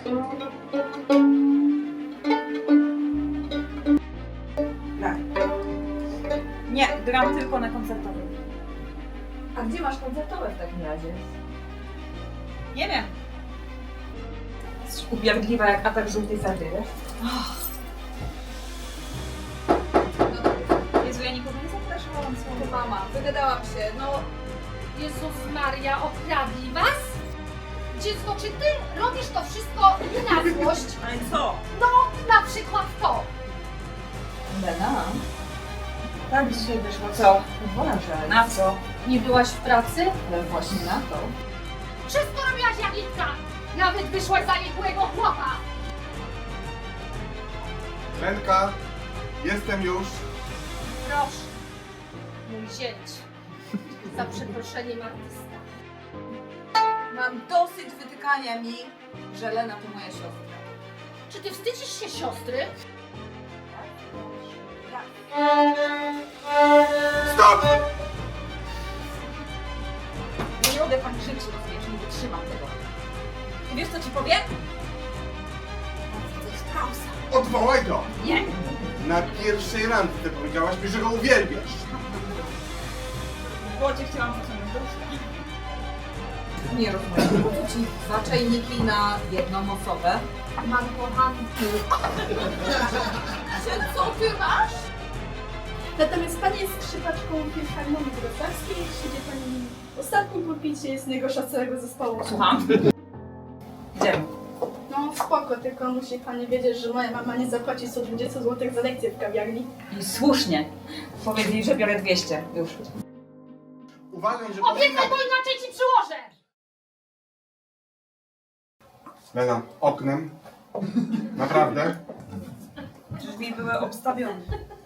Nie, gram tylko na koncertowym. A gdzie masz koncertowe w takim razie? Nie wiem. Jesteś upierdliwa jak atak żółtej sardy, wiesz? Jezu, ja nikogo nie zapraszałam słowo. Mama, wygadałam się, no... Jezus Maria, okradli was? Dziecko, czy ty robisz to wszystko nie na złość? Ale co? No, na przykład to. Lena? Tak dzisiaj wyszło, co? Uważaj. Na co? Nie byłaś w pracy? Ale właśnie na to. Wszystko robiłaś jak inna. Nawet wyszłaś za niegłego chłopa. Lenka, jestem już. Proszę, mój zięć. Za przeproszeniem artysta. Mam dosyć wytykania mi, że Lena to moja siostra. Czy ty wstydzisz się siostry? Stop! Nie mogę pan krzyczyć, rozumiesz, nie wytrzymam tego. I wiesz co ci powiem? To jest pauza. Odwołaj go! Nie. Na pierwszej randce powiedziałaś mi, że go uwielbiasz. W błocie chciałam zaciągnąć do łóżka. Nie rozumiem, po co ci dwa czajniki na jedną osobę? Mam kochanki. Co ty masz? Natomiast pani jest skrzypaczką Filharmonii Wrocławskiej, siedzi pani w ostatnim pulpicie z najgorsza całego zespołu. Słucham? Idziemy. No spoko, tylko musi pani wiedzieć, że moja mama nie zapłaci 120 zł za lekcję w kawiarni. I słusznie. Powiedz jej, że biorę 200. Już. Uważaj, że... Obiecaj, bo inaczej ci przyłożę. Lena, oknem. Naprawdę? Drzwi były obstawione.